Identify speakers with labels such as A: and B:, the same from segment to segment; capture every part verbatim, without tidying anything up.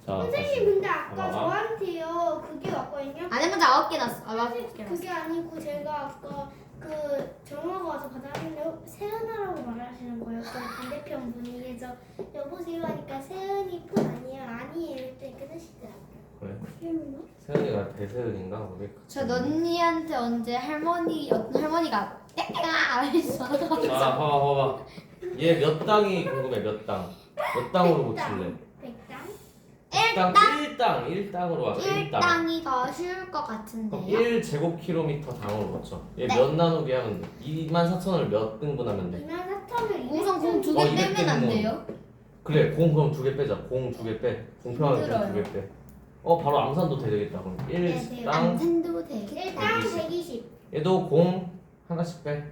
A: 자,
B: 선생님 근데 아까
A: 봐봐.
B: 저한테요 그게 왔거든요.
C: 안에 문제 아홉 개 났어. 아,
B: 사실
C: 아홉 개 났어.
B: 그게 아니고 제가 아까 그 정화가 와서 받았는데 세은아라고 말하시는 거예요. 그 반대편 분이. 그래서 여보세요 하니까 세은이 폰 아니에요. 아니에요. 이랬더니 끊으시더라고요.
A: 그래.
B: 세은아?
A: 세은이가 배세은인가? 우리
C: 저 언니한테 언제 할머니 어떤 할머니가 땡땡아 이랬어.
A: 자, 봐봐, 봐봐. 얘 몇 당이 궁금해, 몇 당? 몇 당으로 고칠래?
B: 백당?
A: 일당, 일당, 일당으로 하자, 일당.
C: 일당이 더 쉬울 것
A: 그럼
C: 같은데요.
A: 일 제곱킬로미터 당으로 고쳐. 얘
C: 네.
A: 몇 나누기 하면 돼? 이만 사천을 몇 등분하면 돼?
B: 이만 사천을
C: 우선 공 두
A: 어,
C: 개
A: 이백
C: 빼면 안
A: 등분.
C: 돼요?
A: 그래, 공 그럼 두 개 빼자. 공 두 개 빼. 공평하게
C: 힘들어요.
A: 두 개 빼. 어, 바로 암산도 되겠다. 그럼
B: 네, 돼요.
A: 일당,
C: 암산도 돼.
B: 일당
A: 백이십.
B: 백이십.
A: 얘도 공 하나씩 빼.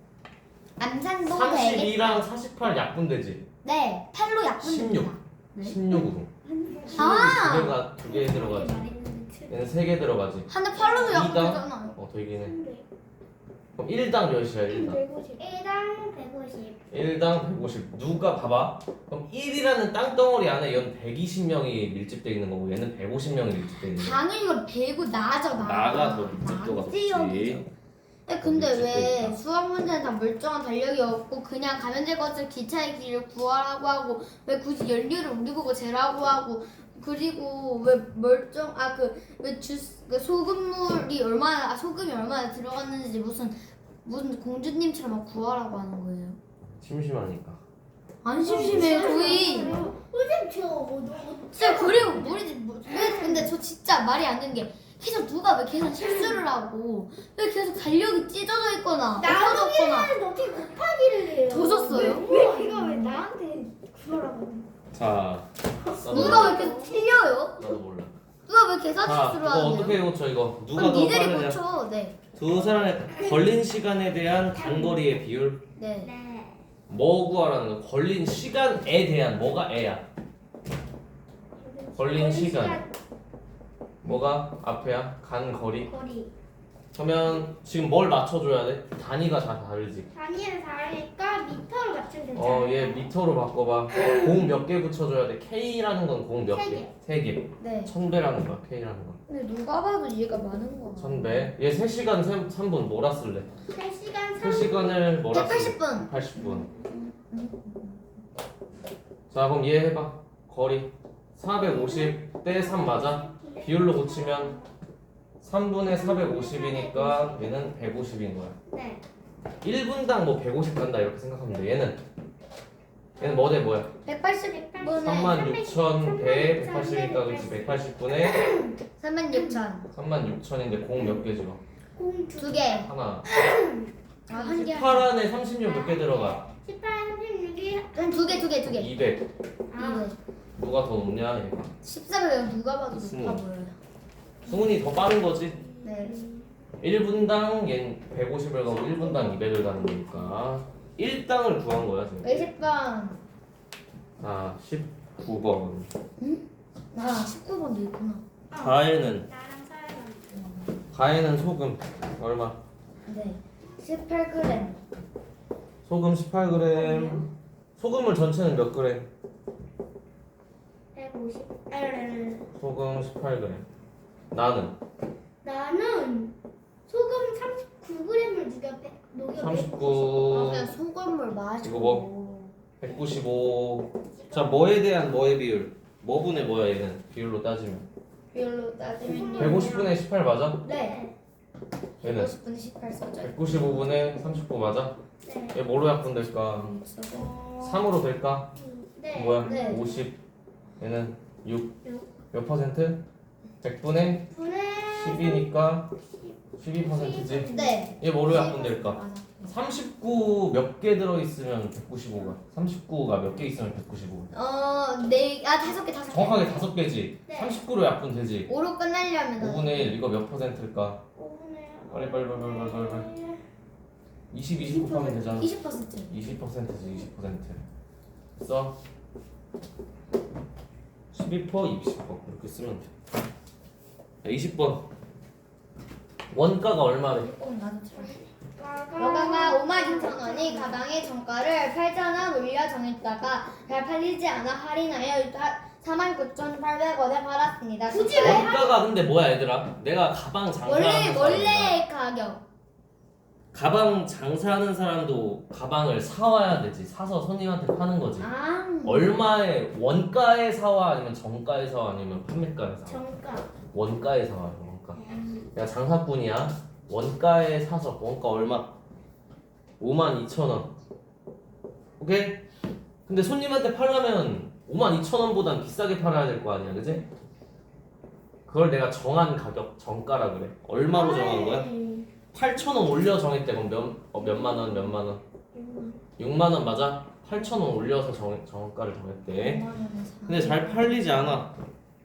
C: 암산도 되겠다.
A: 삼십이랑 사십팔 약분되지?
C: 네, 팔로 약분됩니다.
A: 십육.
C: 네.
A: 십육으로.
C: 아!
A: 두 개가 두 개 들어가지. 얘는 세 개 들어가지.
C: 하나 팔로도
A: 이당?
C: 약분되잖아요.
A: 어, 더 이긴 해. 그럼 일당 몇이야, 일당?
B: 일당 백오십.
A: 일당 백오십. 누가 봐봐. 그럼 일이라는 땅덩어리 안에 얘는 백이십 명이 밀집돼 있는 거고 얘는 백오십 명이 밀집돼 있는 거야.
C: 당연히 이걸 배고 나죠, 나.
A: 나가 더 밀집도가 높지.
C: 네, 근데 왜
A: 밀집되니까.
C: 수학 문제는 다 멀쩡한 달력이 없고 그냥 가면제 것을 기차의 길을 구하라고 하고 왜 굳이 연료를 우리 보고 재라고 하고 그리고 왜 멀쩡 아 그 왜 주스 그 소금물이 얼마나 아, 소금이 얼마나 들어갔는지 무슨 무슨 공주님처럼 막 구하라고 하는 거예요.
A: 심심하니까.
C: 안 심심해요 거의.
B: 선생님 저 뭐,
C: 진짜 그리고 우리 뭐, 왜 근데 저 진짜 말이 안 되는 게 계속 누가 왜 계속 실수를 하고 왜 계속 달력이 찢어져 있거나
B: 나누기를
C: 없어졌거나
B: 하는데 어떻게 곱하기를 해요?
C: 더 줬어요?
B: 왜 이거 왜 나한테 그러라고?
A: 자, 나도
C: 누가
A: 몰라.
C: 왜 계속 틀려요?
A: 나도 몰라.
C: 누가 왜 계산
A: 자,
C: 실수를
A: 이거
C: 하냐?
A: 어떻게 고쳐 이거? 누가
C: 그럼
A: 더
C: 니들이
A: 빠르냐?
C: 고쳐. 네.
A: 두 사람의 걸린 시간에 대한 단거리의 비율.
C: 네.
B: 네.
A: 뭐 구하라는 거? 걸린 시간에 대한 뭐가 애야? 걸린 시간. 뭐가 앞에야? 간 거리.
B: 거리.
A: 그러면 지금 뭘 맞춰줘야 돼? 단위가 다 다르지.
B: 단위를 다르니까 미터로 맞추면 되잖아요.
A: 어, 얘 미터로 바꿔봐. 공 몇 개 붙여줘야 돼? K라는 건 공 몇
B: 세
A: 개?
B: 개.
A: 세 개.
C: 네.
A: 천 배라는 거야, K라는 건.
C: 근데 누가 봐도 얘가 많은 거.
A: 천 배. 얘 세 시간 삼 분 뭐라 쓸래?
B: 세 시간
A: 세 시간을 뭐라 쓸래?
C: 백팔십 분.
A: 팔십 분. 자, 그럼 얘 해봐. 거리. 사백오십 대 삼 맞아? 비율로 고치면 삼 분의 사백오십이니까 얘는 백오십인 거야.
B: 네.
A: 일 분당 뭐 백오십 간다 이렇게 생각하면 돼. 얘는 얘는 뭐 대 뭐야?
C: 백팔십 분에
A: 삼만 육천 배 백팔십이니까 그렇지. 백팔십 분에
C: 삼만 육천.
A: 삼만 육천인데 공 몇 개 집어?
B: 공두
C: 두 개.
A: 하나.
C: 아, 한 개.
A: 십팔 안에 삼십육 몇 개 들어가?
B: 십팔, 삼십육이
C: 그럼 두 개, 두 개, 두 개.
A: 이백.
B: 아,
A: 누가 더 높냐 얘가?
C: 십삼을 누가 봐도
A: 스무.
C: 높아 보여요.
A: 승훈이 더 빠른 거지?
C: 네.
A: 일 분당 얜 백오십을 가고 일 분당 이백을 가는 거니까 일 당을 구한 거야 지금.
C: 이십 번.
A: 아, 십구 번.
C: 아, 십구 번도 있구나.
A: 가에는
B: 나랑 서연아.
A: 가에는 소금 얼마?
C: 네. 십팔 그램.
A: 소금 십팔 그램. 소금을 전체는 몇 그램?
B: 백오십. 에르르.
A: 소금 십팔 그램. 나는
B: 나는 소금 삼십구 그램을 녹여 빼 녹여
C: 아,
A: 삼십구.
C: 그냥 소금물 마셔.
A: 이거 뭐? 백구십오. 자, 뭐에 대한 뭐의 비율? 뭐 분의 뭐야 얘는 비율로 따지면?
C: 비율로 따지면
A: 백오십 분의 십팔 맞아?
C: 네.
A: 얘는
C: 백오십 분 십팔 써져.
A: 백구십오 분의 삼십구 맞아?
B: 네.
A: 얘 뭐로 약분될까?
B: 어,
A: 삼으로 될까?
B: 네.
A: 뭐야?
C: 네.
A: 오십. 얘는 육.
B: 육.
A: 몇 퍼센트? 백 분의
B: 분의
A: 십이니까 십이 퍼센트지.
C: 네.
A: 얘 뭐로 약분될까?
C: 맞아.
A: 삼십구 몇 개 들어있으면 백구십오가. 삼십구가 몇 개 있으면 백구십오가.
C: 어, 네. 아, 다섯 개, 다섯 개.
A: 정확하게 다섯 개지.
B: 네.
A: 삼십구로 약분되지.
C: 오로 끝내려면
A: 오분의 일 이거 몇 퍼센트일까?
B: 오분의
A: 빨리 빨리 빨리 빨리 빨리 빨리. 이십, 이십 곱하면 되잖아.
C: 이십 퍼센트.
A: 이십 퍼센트지 이십 퍼센트. 써. 십이 퍼센트, 이십 퍼센트 이렇게 쓰면 돼. 자, 이십 번. 원가가 얼마래?
C: 꼭 나도 들어.
B: 가가
C: 원가가 오만 육천 원이 가방의 정가를 팔천 원 올려 정했다가 잘 팔리지 않아 할인하여 사만 구천팔백 원에 팔았습니다.
B: 굳이 왜?
A: 원가가 근데 뭐야 얘들아? 내가 가방 장사하는
C: 원래
A: 사람이야.
C: 원래 가격.
A: 가방 장사하는 사람도 가방을 사와야 되지. 사서 손님한테 파는 거지.
C: 아.
A: 얼마에 원가에 사와 아니면 정가에 사와 아니면 판매가에 사와?
B: 정가.
A: 원가에 사와. 원가. 야 장사꾼이야. 원가에 사서 원가 얼마? 오만 이천 원. 오케이? 근데 손님한테 팔려면 오만 이천 원보단 비싸게 팔아야 될 거 아니야, 그지? 그걸 내가 정한 가격, 정가라 그래. 얼마로 정한 거야? 팔천 원 올려 정했대. 그럼 몇, 어, 몇만 원, 몇만 원? 육만 원 맞아? 팔천 원 올려서 정, 정가를 정했대. 근데 잘 팔리지 않아.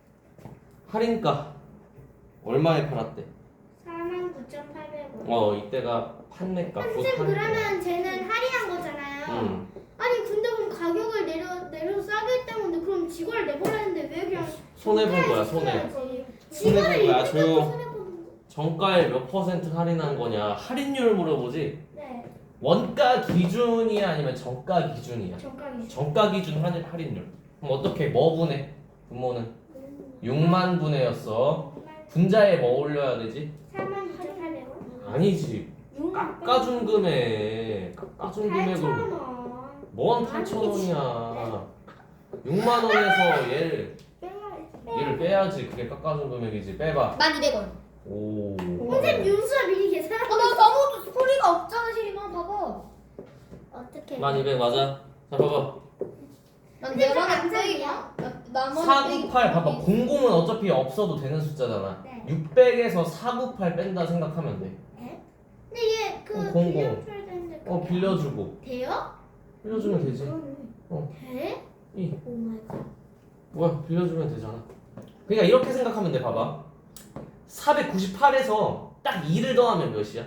A: 할인가 얼마에 팔았대?
B: 사만 구천팔백 원.
A: 어 이때가 판매가 곧
B: 선생님
A: 할인가.
B: 그러면 쟤는 할인한 거잖아요.
A: 응.
B: 아니 근데 그럼 가격을 내려 내려서 싸게 했다는 건데 그럼 직원을 내보라 했는데 왜 그냥
A: 손해 본 거야, 손해.
B: 손해.
A: 손해 본
B: 직원을
A: 거야,
B: 이렇게
A: 조용.
B: 손해 보는 거.
A: 정가에 몇 퍼센트 할인한 거냐? 할인율 물어보지.
B: 네.
A: 원가 기준이야 아니면 정가 기준이야?
B: 정가기.
A: 정가 기준 할인 할인율. 그럼 어떻게 뭐 분해? 분모는 육만 분해였어. 분자에 뭐 올려야 되지?
B: 사만 구천팔백 원.
A: 아니지. 깎아준 금액. 깎아준 금액을
B: 팔천 원.
A: 뭔 팔천 원이야. 육만 원에서 얘를 얘를 빼야지. 그게 깎아준 금액이지. 빼봐.
C: 만 이백 원.
A: 오.
B: 선생님 윤수가 미리 계산하고
C: 어, 나 아무것도 소리가 없잖아, 시리마. 봐봐.
B: 어떻게?
A: 만 이백 맞아. 자 봐봐.
C: 난
B: 근데
C: 내
B: 그럼
C: 번에
B: 안
C: 빼기.
B: 되냐?
C: 나머지
A: 사구팔 봐봐. 공공은 어차피 없어도 되는 숫자잖아.
B: 네.
A: 육백에서 사구팔 뺀다 생각하면 돼.
B: 근데 얘그
A: 어, 공공.
B: 빌려줘야 되는데.
A: 어
B: 그게
A: 빌려주고.
B: 돼요?
A: 빌려주면 되지.
B: 그러네.
A: 어.
B: 돼?
A: 이
B: 오 마이 갓.
A: 뭐야 빌려주면 되잖아. 그러니까 이렇게 생각하면 돼. 봐봐. 사백구십팔에서 딱 이를 더하면 몇이야?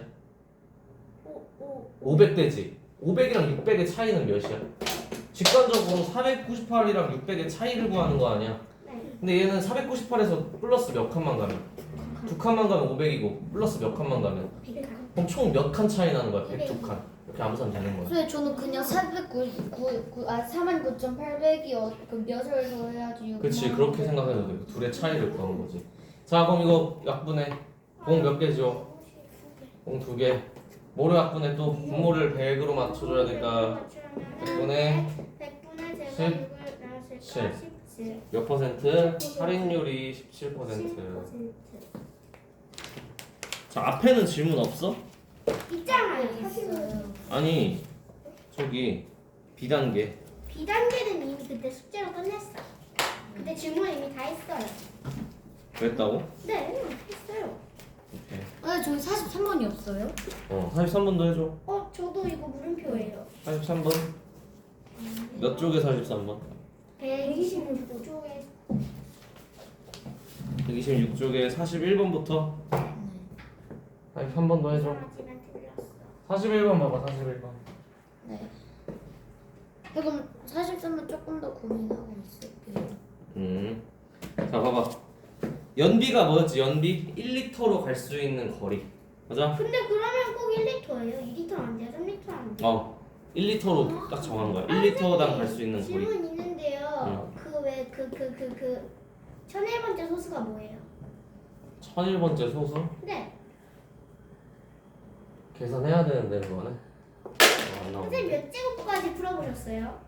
B: 오 오.
A: 오백 되지. 오백이랑 육백의 차이는 몇이야? 직관적으로 사백구십팔이랑 육백의 차이를 구하는 거 아니야?
B: 네.
A: 근데 얘는 사백구십팔에서 플러스 몇 칸만 가면? 두 칸만 가면 오백이고 플러스 몇 칸만 가면?
B: 백 칸.
A: 그럼 총 몇 칸 차이 나는 거야? 백두 칸. 이렇게 암산 되는 거야.
C: 그래 저는 그냥 사백구십구 아 사만 구천팔백이 어, 그 몇을 더해야지.
A: 그치 그렇게 생각해도 돼. 둘의 차이를 구하는 거지. 자 그럼 이거 약분해. 공 몇 개죠? 공 두 개. 모를 약분해 또 분모를 백으로 맞춰줘야 되니까 백분의
B: 백분의
A: 십,
B: 제곱 육을 나눴을까?
A: 칠.
B: 십칠.
A: 몇 퍼센트? 할인율이 십칠 퍼센트. 자 앞에는 질문 없어?
B: 있잖아요.
C: 있어요.
A: 아니 저기 비단계.
B: 비단계는 이미 그때 숙제로 끝냈어. 그때 질문 이미 다 했어요.
A: 그랬다고?
B: 네, 했어요.
A: 오케이.
C: 아 저기 사십삼 번이 없어요?
A: 어 사십삼 번도 해줘.
B: 어, 저도 이거 물음표예요.
A: 사십삼 번. 몇 쪽에 사십삼 번?
B: 백이십육 쪽에
A: 백이십육 쪽에 사십일 번부터 사십삼 번도 해줘.
B: 하지만 틀렸어.
A: 사십일 번 봐봐. 사십일 번.
C: 네. 그럼 사십삼 번 조금 더 고민하고 있을게요.
A: 음. 자 봐봐. 연비가 뭐였지? 연비 일 리터로 갈 수 있는 거리. 맞아?
B: 근데 그러면 꼭 일 리터예요? 이 리터 안 돼요? 삼 리터 안 돼요?
A: 어. 일 리터로 딱 정한 거야. 일 리터당 갈 수 있는 거리.
B: 질문 있는데요. 그 왜 그 그 그 그 천일 번째 소수가 뭐예요?
A: 천일 번째 소수?
B: 네.
A: 계산해야 되는데 그거는. 어, 안 나오네.
B: 선생님 몇 제곱까지 풀어보셨어요?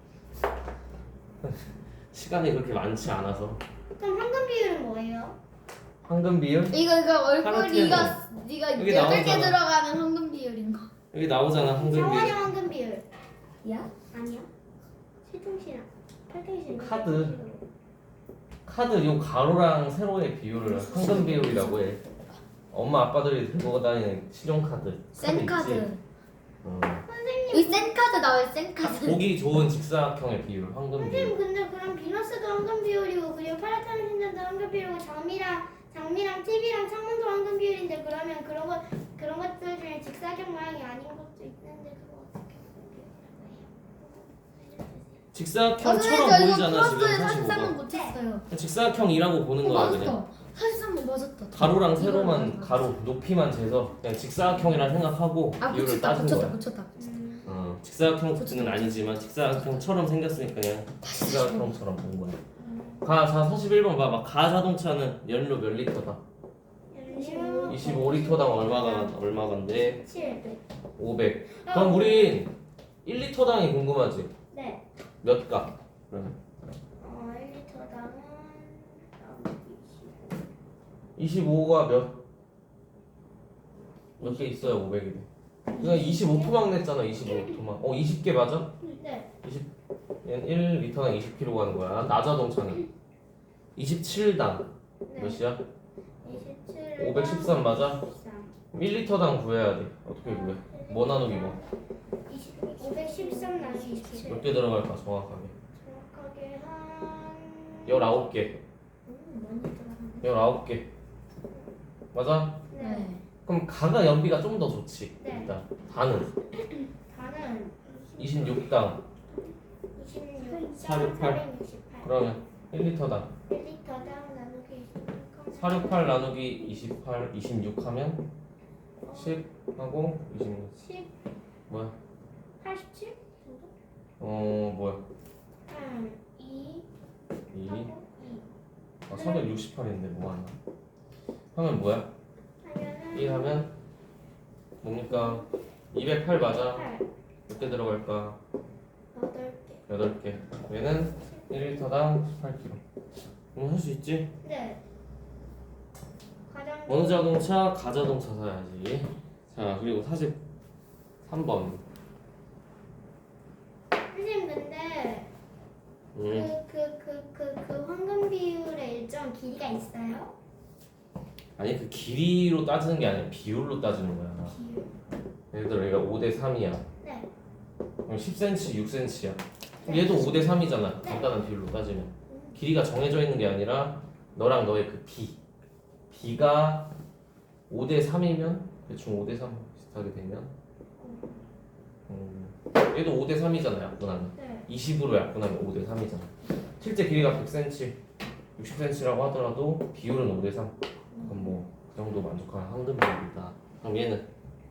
A: 시간이 그렇게 많지 않아서.
B: 그럼 황금 비율은 뭐예요?
A: 황금 비율?
C: 이거 이거 얼굴
A: 카르티에
C: 네가 네가
A: 여기
C: 여덟 개
A: 나오잖아.
C: 들어가는 황금 비율인 거.
A: 여기 나오잖아 황금
B: 정원의
A: 비율.
B: 황금 비율. 야? 아니야. 세종시랑 팔등시랑
A: 카드. 카드 요 가로랑 세로의 비율을 황금 비율이라고 해. 엄마 아빠들이 들고 다니는 신용카드.
C: 센
A: 카드 있지?
C: 카드.
A: 어.
C: 여기 센 카드 나와요. 센 카드.
A: 보기 좋은 직사각형의 비율 황금
B: 선생님
A: 비율.
B: 근데 그럼 비너스도 황금 비율이고 그리고 파라타는 신전도 황금 비율이고 장미랑 장미랑 티비랑 창문도 황금 비율인데 그러면 그런 것 그런 것들 중에 직사각 모양이 아닌 것도 있는데 그거 어떻게
A: 직사각형처럼
C: 저 이거
A: 보이잖아 지금
C: 플러스에
A: 사십오
C: 사십삼 번
A: 번.
C: 못했어요.
A: 직사각형이라고 보는
C: 어,
A: 거야 그냥.
C: 맞았다. 사십삼 번 맞았다.
A: 가로랑
C: 이거
A: 세로만
C: 맞았다.
A: 가로 높이만 재서 그냥 직사각형이라 생각하고
C: 아
A: 비율을
C: 붙였다
A: 따진
C: 붙였다
A: 거야.
C: 붙였다.
B: 음,
A: 어, 직사각형은 아니지만 직사각형처럼 생겼으니까 그냥 직사각형처럼 본 거야.
B: 음.
A: 가, 자 사십일 번 봐봐. 가자동차는 연료 몇 리터다?
B: 연료
A: 이십오 리터당 얼마가 얼마간데?
B: 칠백.
A: 오백. 그럼 우린 일 리터당이 궁금하지?
B: 네.
A: 몇 가? 그러면
B: 어, 일 리터당은
A: 이십오가 몇? 몇 개 있어야 오백이래. 그냥 이십오 토막 냈잖아. 이십오 토막. 어 이십 개 맞아?
B: 네.
A: 이십 얘는 일 리터당 이십 킬로그램 가는 거야. 나자동차는 이십칠 당
B: 네.
A: 몇이야?
B: 이십칠.
A: 오백십삼 맞아?
B: 오백십삼.
A: 일 리터당 구해야 돼. 어떻게 구해? 뭐 나누기 뭐?
B: 이십, 오백십삼 나누기 이십칠.
A: 몇 개 들어갈까 정확하게?
B: 정확하게 한
A: 열아홉 개.
B: 음, 많이 들어가네.
A: 열아홉 개. 맞아?
B: 네.
A: 그럼 가가 연비가 좀 더 좋지.
B: 네.
A: 일단 다는
B: 다는
A: 이십육 당.
B: 이십육,
A: 사백육십팔.
B: 사백육십팔.
A: 그러면 일 리터당
B: 일 리터당 나누기 이십육.
A: 사백육십팔 나누기 이십팔, 이십육 하면 십 하고 이십육.
B: 십,
A: 뭐야?
B: 팔십칠 정도?
A: 어 뭐야?
B: 한 이,
A: 이.
B: 하고 이.
A: 아 사백육십팔인데 뭐 하나? 하면 뭐야?
B: 하면은
A: 일 하면 뭡니까? 이백팔 맞아.
B: 팔,
A: 몇 개 들어갈까?
B: 여덟 개.
A: 여덟 개. 얘는 일 리터당 십팔 킬로그램. 그럼 할 수 있지?
B: 네. 가장
A: 어느 자동차? 가자동차 사야지. 자 그리고 사십삼 번.
B: 선생님 근데
A: 음.
B: 그 그 그 그 그 황금 비율의 일정 길이가 있어요?
A: 아니 그 길이로 따지는 게 아니라 비율로 따지는 거야.
B: 비율.
A: 예를 들어 얘가 오 대 삼이야.
B: 네.
A: 그럼 십 센티미터, 육 센티미터야. 그럼 얘도 오 대 삼이잖아. 간단한 비율로 따지면. 길이가 정해져 있는 게 아니라 너랑 너의 그 비. 비가 오 대 삼이면 대충 오 대 삼 비슷하게 되면 음, 얘도 오 대 삼이잖아. 약분하면.
B: 네.
A: 이십으로 약분하면 오 대 삼이잖아. 실제 길이가 백 센티미터, 육십 센티미터라고 하더라도 비율은 오 대 삼. 그럼 뭐 그 정도 만족할 황금 비율이다. 그럼 얘는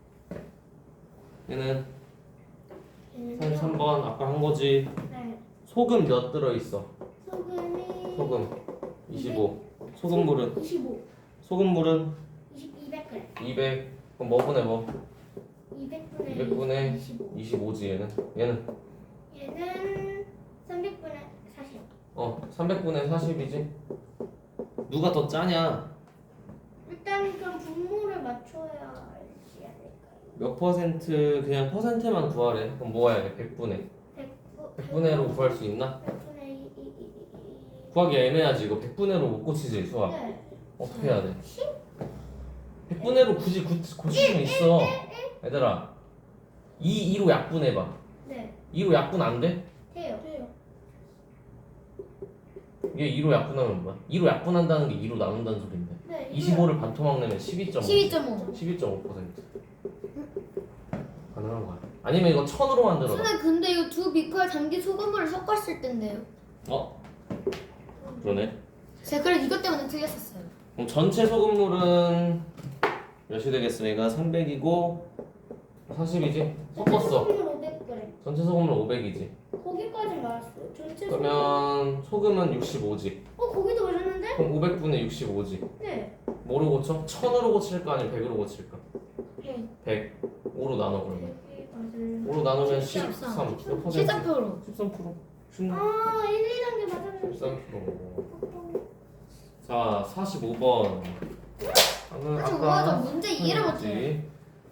A: 얘는 삼십삼 번 아까 한 거지.
B: 네.
A: 소금 몇 들어 있어?
B: 소금이
A: 소금 이십오. 소금물은
B: 이십오.
A: 소금물은
B: 이십, 이백 그램.
A: 이백. 그럼 뭐 분의 뭐?
B: 이백 분의
A: 이백 분의
B: 이십오.
A: 이십오지 얘는. 얘는
B: 얘는 삼백 분의 사십.
A: 어 삼백 분의 사십이지. 누가 더 짜냐?
B: 일단 그럼 분모를 맞춰야 알지 않을까요?
A: 몇 퍼센트 그냥 퍼센트만 구하래. 그럼 뭐 해야 돼? 백 분의
B: 백
A: 백 분의로 구할 수 있나?
B: 백 분의 이, 이, 이, 이.
A: 구하기 애매하지. 이거 백 분의로 못 고치지 수학.
B: 네.
A: 어떻게 해야 돼? 백 분의로 굳이 고, 고칠 수는 있어. 얘들아 이, 이로 약분해봐.
B: 네.
A: 이로 약분 안 돼?
B: 돼요. 돼요.
A: 이게 이로 약분하면 뭐야? 이로 약분한다는 게 이로 나눈다는 소린데.
B: 네.
A: 이십오를 반토막 내면 십이 점 오.
C: 십이 점 오.
A: 십이 점 오 퍼센트. 가능한 거야. 아니면 이거 천으로 만들어봐.
C: 선생님 근데 이거 두 비커에 담긴 소금물을 섞었을 텐데요.
A: 어? 그러네.
C: 제가 그래서 이것 때문에 틀렸었어요.
A: 그럼 전체 소금물은 몇이 되겠습니까? 삼백이고 사십이지? 섞었어.
B: 소금물 오백 그램.
A: 전체 소금물 오백이지.
B: 거기까지 말았어요. 전체 소금.
A: 그러면 소금은 육십오지.
B: 어 거기도 오셨는데?
A: 그럼 오백 분의 육십오지.
B: 네.
A: 뭐로 고쳐? 천으로 고칠까 아니면 백으로 고칠까?
B: 네.
A: 백. 오로 나눠 그러면.
B: 여기 맞아요.
A: 오로 나누면
C: 십삼.
A: 십삼. 몇 퍼센트?
C: 십삼 퍼센트.
A: 십삼 퍼센트. 십삼.
B: 아 일, 이 단계 맞았는데.
A: 십삼 퍼센트. 자, 사십오 번. 방금
C: 사십오 번 저 문제 이해를
A: 했지.
C: 못해요.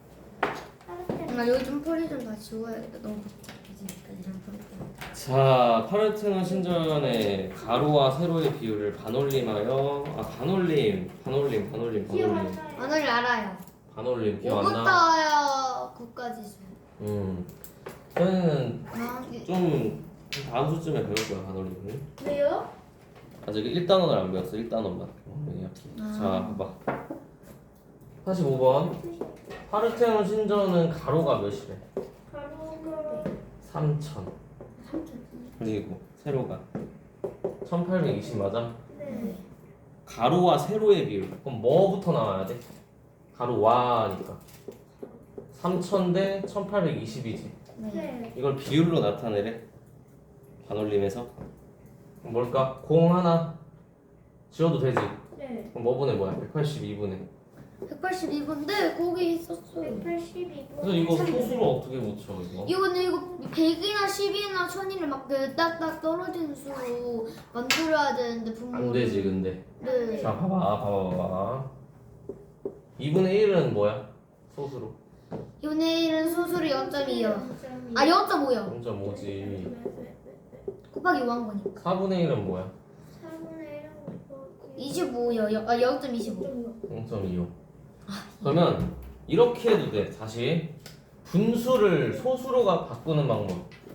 C: 아 여기 좀 폴리 좀 다 지워야겠다. 너무 복잡해지니까 이런 폴리 때문에.
A: 자, 파르테논 신전의 가로와 세로의 비율을 반올림하여 아 반올림, 반올림, 반올림,
B: 기억 안
A: 반올림,
B: 나요.
C: 오늘 알아요.
A: 반올림 기억 안 나?
C: 오부터요 구까지 수.
A: 음, 저희는
C: 아, 이-
A: 좀 다음 수쯤에 배울 거야 반올림을.
B: 왜요?
A: 아직 일 단원을 안 배웠어. 일 단원만.
C: 아.
A: 자, 봐봐. 사십오 번. 파르테논 신전은 가로가 몇이래?
B: 가로가
A: 삼천.
B: 삼천.
A: 그리고 세로가 천팔백이십 맞아?
B: 네.
A: 가로와 세로의 비율. 그럼 뭐부터 나와야 돼? 가로와니까 삼천 대 천팔백이십이지.
C: 네.
B: 네.
A: 이걸 비율로 나타내래. 반올림에서 뭘까? 공 하나 지워도 되지?
B: 네.
A: 그럼 뭐 분의 뭐야? 백팔십이 분의.
C: 백팔십이 분인데 거기 있었어요.
B: 백팔십이 분.
A: 그래서 이거 소수로 어떻게 붙여 이거?
C: 이거는 이거 백이나 십이나 천이를 막 딱딱 떨어지는 수로 만들어야 되는데 분모.
A: 안 되지 근데.
C: 네.
A: 자 봐봐 봐봐 봐봐. 이 분의 일은 뭐야? 소수로.
C: 이분의 일은 소수로 영 점 이요. 아 영 점 오요.
A: 영 점 오지.
C: 곱하기 오 한 거니까.
A: 사분의 일은 뭐야?
B: 사분의 일은
C: 이십오요. 아 영 점 이십오.
A: 영 점 이오. 그러면 이렇게 해도 돼. 다시 분수를 소수로가 바꾸는 방법.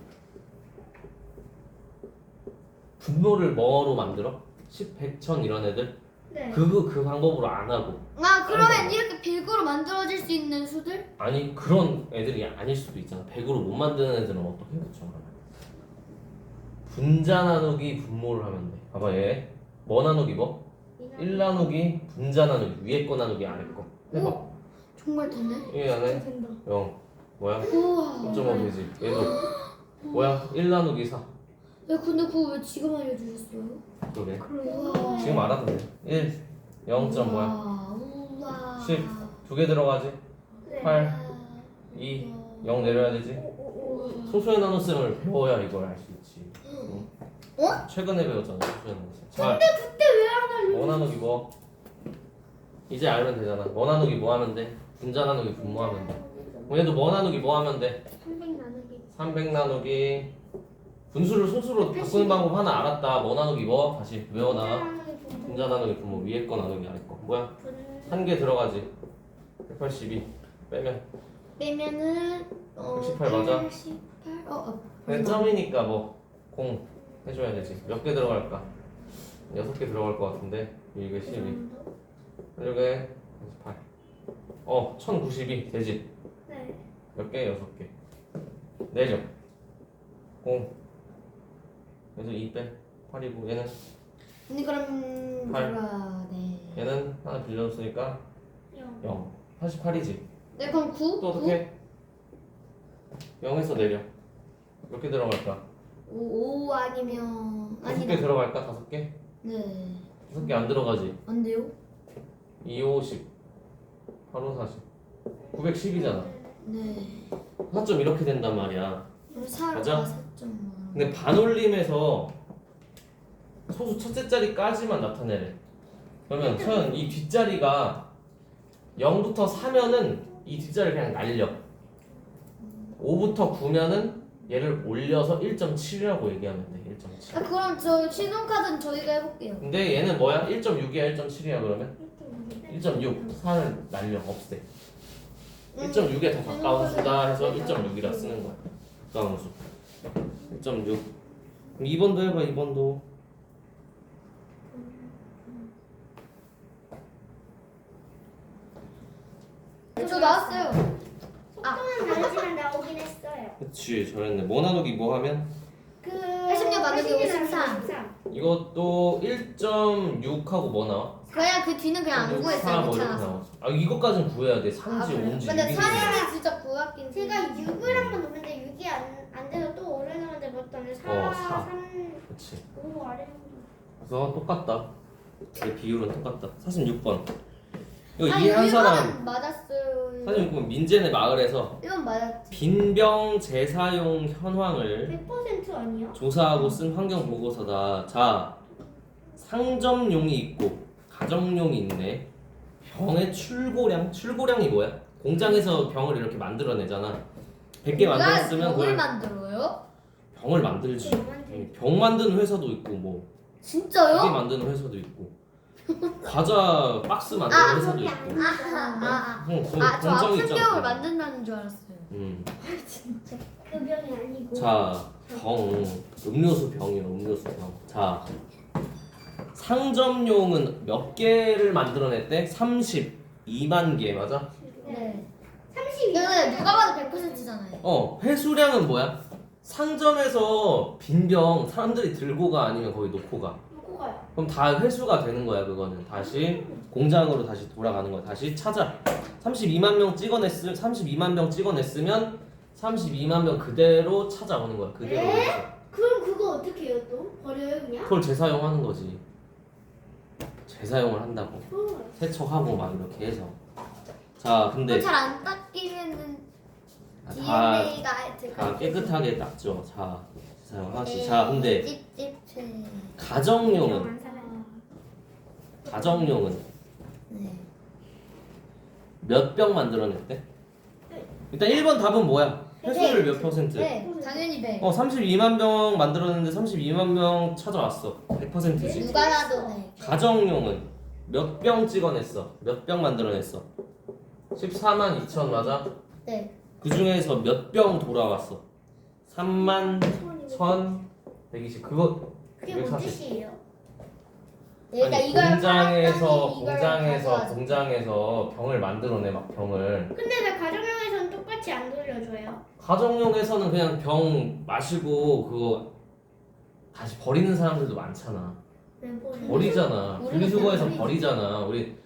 A: 분모를 뭐로 만들어? 십, 백, 천 이런 애들?
B: 네.
A: 그거 그 방법으로 안 하고.
C: 아 그러면 이렇게 백으로 만들어질 수 있는 수들?
A: 아니 그런 애들이 아닐 수도 있잖아. 백으로 못 만드는 애들은 어떻게 붙여? 분자 나누기 분모를 하면 돼. 봐봐 얘. 뭐 나누기 뭐? 일 나누기 분자 나누기 위에 거 나누기 아래 거. 해봐.
C: 오, 정말 되네.
A: 이 안에
B: 된다.
A: 영 뭐야?
C: 우와.
A: 영 점 오 되지. 얘도 뭐야? 일 나누기 사.
C: 야 근데 그거 왜 지금 알려주셨어요?
A: 그러게.
C: 우와.
A: 지금 알아도 돼. 일 영 점 뭐야?
C: 우와.
A: 십. 두 개 들어가지.
B: 네.
A: 팔 이 영 내려야 되지.
B: 오오오.
A: 소수의 나눗셈을 배워야 이걸 알 수 있지. 응?
C: 어?
A: 최근에 배웠잖아 소수의 나눗셈. 자,
B: 그때 왜 안 알려?
A: 뭐 나누기 뭐? 이제 알면 되잖아. 뭐 나누기 뭐 하면 돼? 분자 나누기 분모하면 돼. 그럼 얘도 뭐 나누기 뭐 하면 돼?
B: 삼백 나누기.
A: 삼백 나누기 분수를 소수로 바꾸는 방법 하나 알았다. 뭐 나누기 뭐? 다시 외워놔. 분자 나누기 분모 위에 거 나누기 아래 거. 뭐야? 한 개 들어가지. 백팔십이 빼면
C: 빼면은 어,
A: 백십팔 맞아?
C: 백십팔. 어, 어.
A: 그냥 점이니까 뭐 공 해줘야 되지. 몇 개 들어갈까? 여섯 개 들어갈 것 같은데 이게 십이 이게 팔. 어 천구십이 되지.
B: 네.
A: 몇 개? 여섯 개. 내죠. 공. 그래서 이 빼. 팔이고 얘는
C: 근데 그럼
A: 팔.
C: 제가 네.
A: 얘는 하나 빌려줬으니까
B: 영.
A: 영. 팔십팔이지.
C: 네 그럼 구?
A: 또 어떻게? 영에서 내려. 몇 개 들어갈까?
C: 오, 오 아니면
A: 다섯 개
C: 아니다.
A: 들어갈까? 다섯 개?
C: 네.
A: 다섯 개 안 들어가지.
C: 안 돼요?
A: 이, 오, 십. 팔, 오, 사십. 구백십이잖아.
C: 네.
A: 사 점 이렇게 된단 말이야.
C: 그럼 사로
A: 맞아?
C: 사 점.
A: 근데 반올림에서 소수 첫째 자리까지만 나타내래. 그러면 서연 이 뒷자리가 영부터 사면은 이 뒷자리를 그냥 날려. 오부터 구면은 얘를 올려서 일 점 칠이라고 얘기하면 돼. 일 점 칠.
C: 아 그럼 저 신용카드는 저희가 해볼게요.
A: 근데 얘는 뭐야? 일 점 육이야 일 점 칠이야 그러면? 일 점 육. 사를 날려 없애. 일 점 육에 더 가까운 수다 해서 일 점 육이라 쓰는 거야. 가까운 수. 일 점 육. 그럼 이 번도 해봐 이 번도.
C: 저 나왔어요.
B: 속도는 다르지만 나오긴 했어요.
A: 그치 잘했네. 뭐 나누기 뭐 하면?
B: 그
C: 팔십육 나누기 오십삼.
A: 이것도 일 점 육하고 뭐 나와?
C: 그냥 그 뒤는 그냥 안
A: 사
C: 구했어요.
A: 뭐 이렇게
C: 귀찮아서.
A: 나와. 아 이것까지는 구해야 돼. 삼지
C: 아, 그래요?
A: 오인지
C: 근데
A: 육인지.
C: 사례는 진짜 구하긴.
B: 제가 육을 한번 넣었는데 육이 안, 안 돼서 또 오래 넣었는데 뭐 떴네. 사,
A: 어, 사.
B: 삼,
A: 그치.
B: 오 아래.
A: 그래서 똑같다. 이 비율은 똑같다. 사십육 번. 이거
C: 아,
A: 이해한 사람.
C: 이건 맞았어요.
A: 사십육 번 민재네 마을에서
C: 이건 맞았지.
A: 빈병 재사용 현황을
B: 백 퍼센트 아니야?
A: 조사하고 쓴 환경 보고서다. 자, 상점용이 있고 가정용이 있네. 병의 출고량, 출고량이 뭐야? 공장에서 병을 이렇게 만들어내잖아. 백 개 만들었으면
C: 병을
A: 그걸
C: 만들어요?
A: 병을 만들지.
B: 병만
A: 병 만드는 회사도 있고 뭐
C: 진짜요?
A: 기계 만드는 회사도 있고 과자 박스 만드는
C: 아,
A: 회사도
B: 그게
A: 있고.
C: 아, 아,
A: 응, 그
C: 아, 아, 저
A: 공장이
C: 아픈
A: 있잖아.
C: 병을 만든다는 줄 알았어요.
A: 음.
B: 그 병이 아니고.
A: 자, 병, 음료수 병이요, 음료수 병. 자, 상점용은 몇 개를 만들어냈대? 삼십이만 개, 맞아?
C: 네.
B: 삼십이.
C: 근데 누가 봐도 백 퍼센트잖아요.
A: 어, 회수량은 뭐야? 상점에서 빈 병 사람들이 들고 가 아니면 거기 놓고 가.
B: 놓고 가요.
A: 그럼 다 회수가 되는 거야, 그거는. 다시 공장으로 다시 돌아가는 거야. 다시 찾아. 삼십이만 명 찍어냈으, 삼십이만 병 찍어냈으면 삼십이만 병 그대로 찾아오는 거야. 그대로.
B: 에?
A: 해서.
B: 그럼 그거 어떻게 해요 또? 버려요 그냥?
A: 그걸 재사용하는 거지. 재사용을 한다고.
B: 어.
A: 세척하고 막 이렇게 해서. 자, 근데
C: 잘안 닦이면은
A: 아, 다,
C: 디엔에이가
A: 다 깨끗하게 닦죠. 자, 재사용하지. 자, 근데
C: 찝찝해.
A: 가정용은
B: 안 살아요.
A: 가정용은
C: 네.
A: 몇 병 만들어냈대? 일단 일 번 답은 뭐야? 회수율 몇 퍼센트?
C: 네, 당연히 백.
A: 어, 삼십이만 병 만들었는데 삼십이만 병 찾아왔어. 백 퍼센트지.
C: 누가 나도 네.
A: 가정용은 몇 병 찍어냈어? 몇 병 만들어냈어? 십사만 이천 맞아?
C: 네.
A: 그 중에서 몇 병 돌아왔어? 삼만 천백이십. 그거
B: 그게 뭔
A: 이백사십.
B: 뜻이에요?
C: 그러니까
A: 아니,
C: 이걸
A: 공장에서
C: 팔았더니 이걸
A: 공장에서
C: 가져와서.
A: 공장에서 병을 만들어내 막 병을.
B: 근데 왜 가정용에서는 똑같이 안 돌려줘요?
A: 가정용에서는 그냥 병 마시고 그거 다시 버리는 사람들도 많잖아.
B: 왜 버려?
A: 버리잖아.
C: 우리는
A: 분리수거해서
C: 그냥
A: 버리잖아. 우리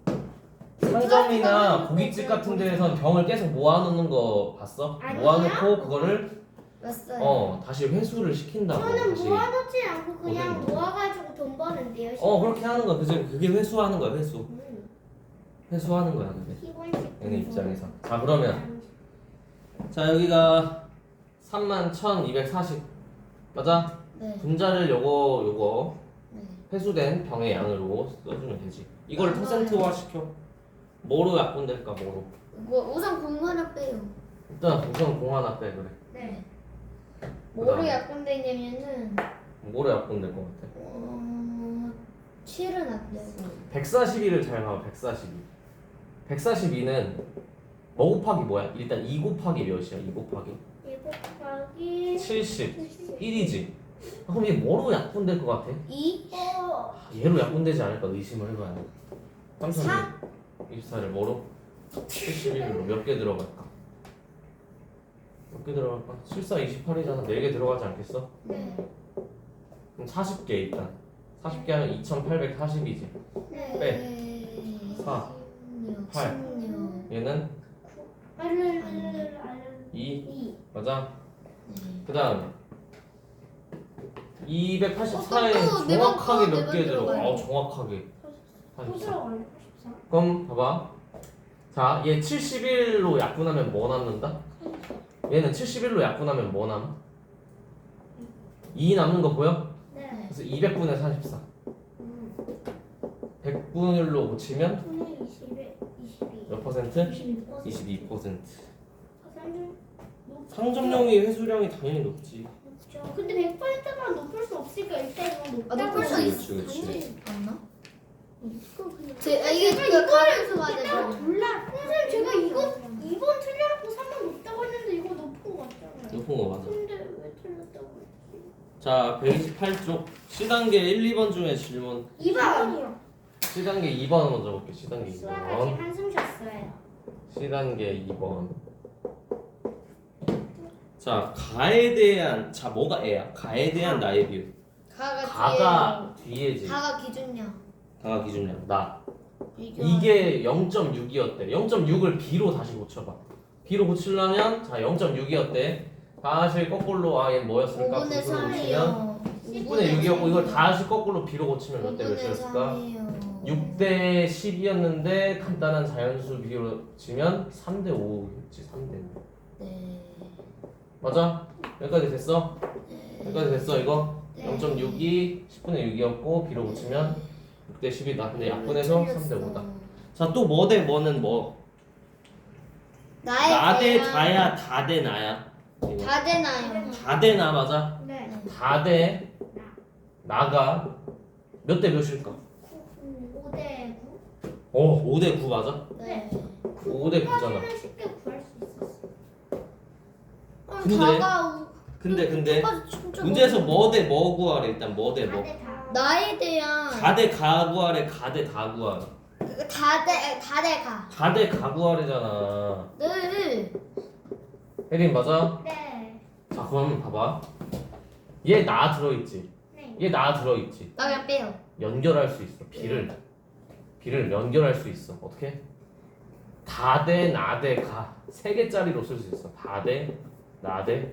A: 상점이나 고깃집 같은 데에선 병을 계속 모아놓는 거 봤어?
B: 아니야.
A: 모아놓고 그거를
C: 왔어요.
A: 어 다시 회수를 시킨다고.
B: 저는
A: 다시.
B: 모아놓지 않고 그냥
A: 어디
B: 모아가지고 돈 버는데요.
A: 어 그렇게 하는 거야. 그지? 그게 회수하는 거야. 회수.
B: 음,
A: 회수하는 거야. 그게.
B: 기본식.
A: 얘네 입장에서. 자 그러면 자 여기가 삼만 천이백사십 맞아?
C: 네.
A: 분자를 요거 요거
C: 네.
A: 회수된 병의 양으로 써주면 되지. 이걸
C: 맞아요.
A: 퍼센트화 시켜. 뭐로 약분될까 뭐로?
C: 뭐 우선 공 하나 빼요.
A: 일단 우선 공 하나 빼 그래.
B: 네.
C: 뭐로
A: 그다음에?
C: 약분되냐면은
A: 뭐로 약분될 것 같아?
C: 어 칠은 안 되고
A: 백사십이를 잘 봐봐. 백사십이. 백사십이는 뭐 곱하기 뭐야? 일단 이 곱하기 몇이야? 이 곱하기
B: 일 곱하기
A: 칠십일이지. 그럼 이게 뭐로 약분될 것 같아?
C: 이
B: 어,
A: 아, 얘로 약분되지 않을까 의심을 해봐야 돼.
C: 사?
A: 삼천이십사를 뭐로? 칠십일로 몇 개 들어갈까? 몇 개 들어갈까? 칠사 이십팔이잖아. 네 개 들어가지 않겠어?
C: 네.
A: 그럼 사십 개 일단. 사십 개 하면 이천팔백사십이지.
B: 네.
A: 빼. 사,
C: 십육,
A: 팔.
C: 십육.
A: 얘는
B: 알을 알을 알을
A: 이
B: 이.
A: 맞아?
C: 네.
A: 그 다음에 이백팔십사에
C: 어, 또, 또, 네 번,
A: 정확하게
C: 또,
A: 몇
C: 네
A: 개
C: 번
A: 들어가?
C: 들어가요.
A: 어 정확하게
B: 또
A: 팔십사.
B: 들어가요. 십사.
A: 그럼 봐봐. 자, 얘 칠십일로 약분하면 뭐 남는다? 얘는 칠십일로 약분하면 뭐 남? 이 남는 거 보여?
B: 네.
A: 그래서 이백분의 사십사.
B: 음.
A: 백분율로 고치면
B: 분의 이십에 이십이.
A: 몇 퍼센트?
B: 이십이 퍼센트.
A: 이십이 퍼센트.
B: 상점
A: 상점용이 회수량이 당연히 높지.
B: 높죠. 근데 백 퍼센트만 높을 수 없으니까 일단 이건
C: 아,
B: 높다고.
C: 높을 수
A: 그렇지,
C: 있어.
A: 그렇지, 그렇지.
C: 맞나?
B: 이거 그냥.
C: 제 아, 이게
B: 제가
C: 그
B: 이거를
C: 가면서
B: 그때가
C: 맞아요.
B: 몰라. 선생님 제가 이거 이 번 틀려갖고 삼 번 높다고 했는데 이거 높은 거 같잖아요.
A: 높은 거 맞아.
B: 근데 왜 틀렸다고 했지?
A: 자, 백이십팔 쪽 C단계 일, 이 번 중에 질문.
B: 이 번이요.
A: C단계 이 번 먼저 볼게. C단계 이
B: 수학 아직
A: 번.
B: 한숨 쉬었어요.
A: C단계 이 번. 자, 가에 대한 자 뭐가 애야? 가에 대한 나의 비율.
C: 가가
A: 가가
C: 뒤에
A: 뒤에지.
C: 가가 기준량.
A: 가가 기준량 나.
C: 비교.
A: 이게 영 점 육이었대. 영 점 육을 B로 다시 고쳐봐. B로 고치려면 자 영 점 육이었대. 다시 거꾸로 아얘 뭐였을까?
C: 오분의
A: 구로 고치면
C: 삼이요.
A: 십분의 육이었고 이걸 다시 거꾸로 B로 고치면 몇 대 몇이었을까? 육 대 십이었는데 간단한 자연수 비율로 치면 삼 대 오였지. 삼 대 오.
C: 네.
A: 맞아? 여기까지 됐어? 여기까지 됐어 이거?
C: 네.
A: 영 점 육이 십분의 육이었고 B로 고치면 육 대 십이다. 근데 약분해서 삼 대 오다. 자, 또 뭐 대 뭐는 뭐?
C: 나의
A: 나 대
C: 대한-
A: 다야, 다 대 나야? 이거.
C: 다 되나요?
A: 다 대 나 맞아?
B: 네.
A: 다 대 나가 몇 대 몇일까?
B: 오 대 구.
A: 어, 오 대 구 맞아?
C: 네.
A: 오 대 구잖아.
B: 구까지는 쉽게 구할 수 있었어.
C: 아,
A: 근데-
C: 다가 우-
A: 근데 근데
C: 끝까지 진짜
A: 문제에서
C: 너무-
A: 뭐 대 뭐 구하래 일단 뭐 대 뭐?
B: 다대 다.
C: 나에 대한
A: 가 대 가 구하래 가 대 다 구하래.
C: 다대 다대가
A: 가 대 가 구하래잖아.
C: 늘
A: 혜린 맞아?
B: 네.
A: 자, 그럼 봐봐. 얘 나 들어있지?
B: 네.
A: 얘 나 들어있지?
C: 나 그냥 빼요.
A: 연결할 수 있어. B를 B를 연결할 수 있어. 어떻게? 다 대 나 대 가 세 개짜리로 쓸 수 있어. 다 대 나 대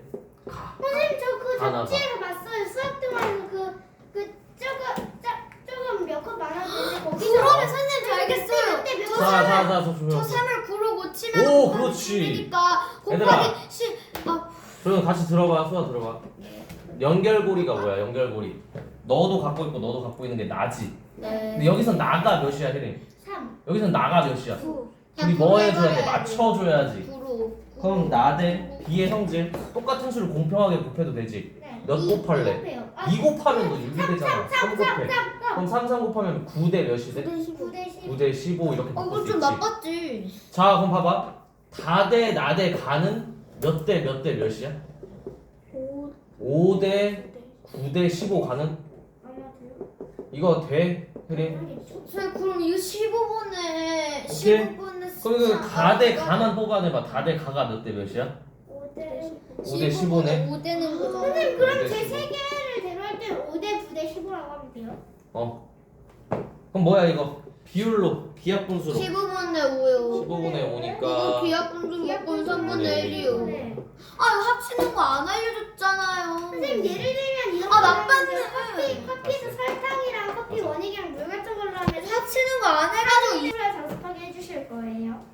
A: 가.
B: 선생님 저 그
A: 하나 봐.
B: 잡지에서 봤어요. 수학 동안에서 그그 조금 짜- 조금 몇 컷 많았는데 거기서
C: 그러면 선생님 저 알겠어요.
B: 그때 몇
C: 저
B: 컷?
A: 자자자 저
C: 저
A: 조용.
C: 삼을 구로 고치면
A: 오,
C: 곱하기
A: 그렇지.
C: 십이니까
A: 얘들아.
C: 곱하기 십. 아,
A: 조용 같이 들어봐. 수아 들어봐. 연결고리가 뭐야? 연결고리. 너도 갖고 있고 너도 갖고 있는 게 나지.
C: 네.
A: 근데 여기선 나가 몇이야, 혜림?
B: 삼.
A: 여기선 나가 몇이야?
B: 구.
A: 우리 뭐 해줘야 돼? 맞춰줘야지.
C: 구로.
A: 그럼 나 대 B의 성질 똑같은 수를 공평하게 곱해도 되지.
B: 네.
A: 몇
B: 이
A: 곱할래?
B: 곱해요. 아,
A: 이 곱하면 너 육 이 되잖아. 삼
B: 삼,
A: 곱해.
B: 삼, 삼.
A: 그럼 삼, 삼 곱하면 구 대 몇이 돼?
C: 구대 십오.
B: 구 대 십.
A: 구 대 십오 이렇게
C: 어,
A: 바꿀
C: 이거
A: 수
C: 좀
A: 있지.
C: 나빴지.
A: 자, 그럼 봐봐. 다 대 나 대 가는 몇 대 몇 대 몇이야?
B: 오.
A: 오 대 구 대 십오 가는?
B: 아마 돼요.
A: 이거 돼? 혜림?
B: 하겠죠.
C: 선생님 그럼 이거 십오 번에
A: 오케이.
C: 십오 번에
A: 그럼 이거 다 대 가만 뽑아내봐. 다 대 가가 몇 대 몇이야?
B: 오 대
A: 오 대 십오네.
C: 오 되는 거잖아.
B: 선생님
A: 오
B: 그럼
A: 대
B: 제
A: 십오.
B: 세 개를 대로할 때 오 대 구 대 십오라고 하면 돼요?
A: 어. 그럼 뭐야 이거? 비율로 비약분수로
C: 십오 번에 오요.
A: 십오 분의
C: 이거
A: 오니까
C: 비약분수 먹고 삼분의 일이요.
B: 네.
C: 아 이거 합치는 거 안 알려줬잖아요.
B: 선생님 예를 들면 이런
C: 아,
B: 거
C: 나빴네.
B: 하는데 커피 커피에서 설탕이랑 커피
A: 맞아.
B: 원액이랑 물 같은 걸로 하면
C: 합치는 거 안 해가지고 이-
B: 이를 장습하게 해주실 거예요.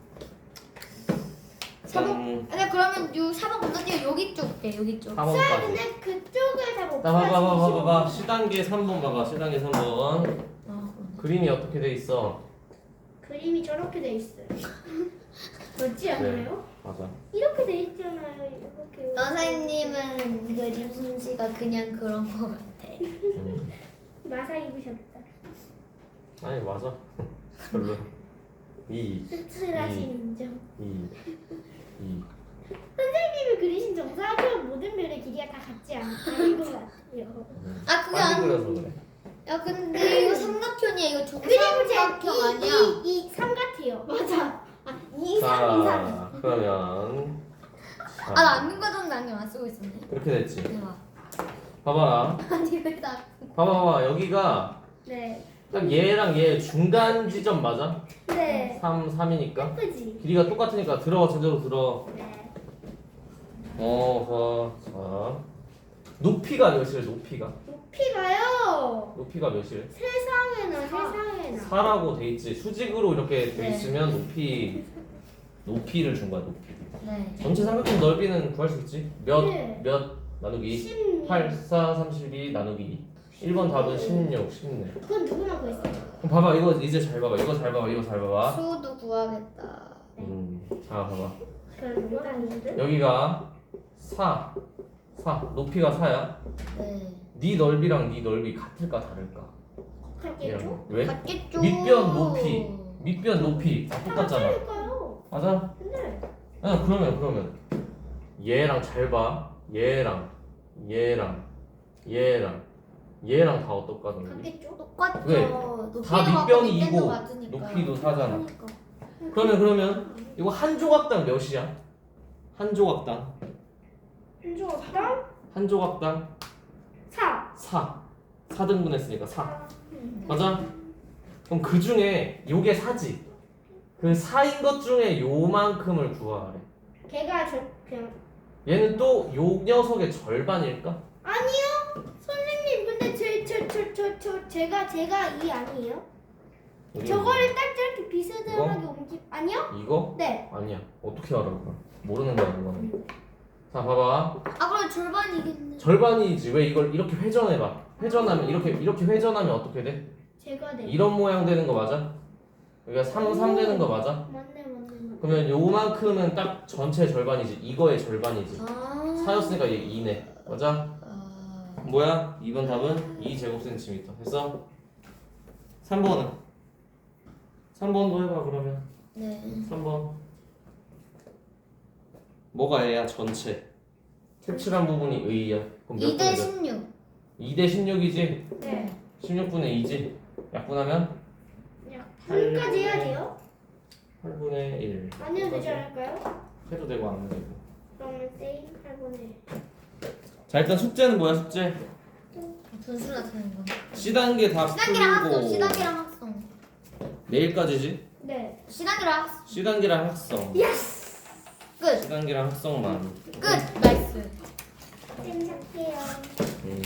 C: 사번.
A: 음,
C: 근데 그러면 요 사번 건너뛰어 여기 쪽에 여기 쪽.
B: 자,
A: 삼 번까지.
B: 근데 그쪽을 다 못.
A: 자, 봐봐, 봐봐, 봐봐, 봐봐. 시단계 삼 번 봐봐. 시단계 삼 번.
C: 아,
A: 그림이 어떻게 돼 있어?
B: 그림이 저렇게 돼 있어요. 그렇지 않나요?
A: 맞아.
B: 이렇게 돼 있잖아요. 이렇게.
C: 선생님은 그림 솜씨가 그냥 그런 거 같아.
A: 음.
B: 마사 입으셨다.
A: 아니 맞아. 별로. 이,
B: 씁쓸하신
A: 이.
B: 인정.
A: 이, 이.
B: 선생님이 그리신 정사각형 모든 별의 길이가 다 같지 않은 것 같아요.
A: 음.
C: 아 그게
A: 빨리
C: 안.
A: 그려서 그래.
C: 야 근데 이거 삼각형이야 이거
B: 그리고
C: 정삼각형 아니야.
B: 제이삼 같아요. 맞아. 아, 이, 삼, 이, 삼.
A: 자, 그러면. 자,
C: 아나 안경과 정도 안경 안 쓰고 있었네.
A: 이렇게 됐지.
C: 대박.
A: 봐봐라.
C: 아니 왜 나?
A: 봐봐, 봐봐. 여기가
B: 네.
A: 딱 얘랑 얘 중간 지점 맞아?
B: 네.
A: 삼, 삼이니까.
B: 예쁘지?
A: 길이가 똑같으니까 들어 제대로 들어.
B: 네.
A: 어허. 자. 높이가 몇이래? 높이가.
B: 높이가요.
A: 높이가 몇이래?
B: 세상에나 세상에나.
A: 사라고 돼 있지. 수직으로 이렇게 돼
C: 네.
A: 있으면 높이 높이를 준 거야. 높이.
C: 네.
A: 전체 삼각형 넓이는 구할 수 있지. 몇 몇
B: 네.
A: 나누기
B: 십육.
A: 팔, 사, 삼십이 나누기 이. 일 번 답은 십육, 십육.
B: 그건 누구나 구했어요.
A: 그럼 봐봐. 이거 이제 잘 봐봐. 이거 잘 봐봐. 이거 잘 봐봐.
C: 수도 구하겠다.
A: 음. 자, 봐봐.
B: 별 누가 아닌데?
A: 여기가 사. 사. 높이가 사야.
C: 네.
A: 네 넓이랑 네 넓이 같을까 다를까?
B: 같겠죠?
A: 이런. 왜?
C: 같겠죠.
A: 밑변 높이. 밑변 높이 다 똑같잖아.
B: 같을까요?
A: 맞아?
B: 근데
A: 아, 그러면 그러면 얘랑 잘 봐. 얘랑 얘랑 얘랑 얘랑 다 어떨까 너희?
B: 같겠죠?
C: 똑같죠.
A: 왜?
C: 높이도
A: 다
C: 같고
A: 밑변이
C: 밑변도
A: 이고
C: 같으니까.
A: 높이도 사잖아.
C: 그러니까.
A: 그러면 그러면 이거 한 조각당 몇이야? 한 조각당
B: 한 조각당
A: 한 조각당
B: 사.
A: 사. 사 등분했으니까 사.
B: 음.
A: 맞아? 그럼 그 중에 요게 사지. 그 사인 것 중에 요만큼을 구하래.
B: 걔가 저 그냥
A: 얘는 또 요 녀석의 절반일까?
B: 아니요. 선생님 근데 제 저 저 저 저 제가 제가 이 아니에요?
A: 이게
B: 저거를 딱 저렇게 비스듬하게 옮기 아니요?
A: 이거?
B: 네.
A: 아니야. 어떻게 알아 그걸? 모르는 거야 그거는. 자 봐봐.
C: 아 그럼 절반이겠네.
A: 절반이지. 왜 이걸 이렇게 회전해봐. 회전하면 이렇게 이렇게 회전하면 어떻게 돼?
B: 제가 네.
A: 이런 모양 되는 거 맞아? 여기가 삼, 삼 되는 거 맞아?
B: 맞네 맞네 맞네.
A: 그러면 요만큼은 딱 전체 절반이지. 이거의 절반이지.
C: 아.
A: 사였으니까 얘 이네. 맞아?
C: 아.
A: 뭐야? 이 번 답은 이 제곱센티미터. 됐어? 삼 번은? 삼 번도 해봐 그러면.
C: 네.
A: 삼 번. 뭐가 얘야? 전체. 색칠한 부분이 의야. 그럼 몇
C: 이 대
A: 분의 몇?
C: 십육.
A: 이 대 십육이지?
B: 네.
A: 십육분의 이지? 약분하면?
B: 그냥 삼까지 해야 돼요?
A: 팔분의 일.
B: 안 해도 되지 않을까요?
A: 해도 되고 안 해도 되고.
B: 그러면 세임 팔분의
A: 자 일단 숙제는 뭐야 숙제?
C: 분수 나타내는 거.
A: C단계 다
C: C단계랑 학성.
A: 풀고
C: C단계랑 학성.
A: 내일까지지?
B: 네.
C: C단계랑 학성.
A: C단계랑 학성
B: 예스.
C: 끝.
A: C단계랑 학성만
C: 끝. 나이스.
B: 쌤 착해요.
A: 음.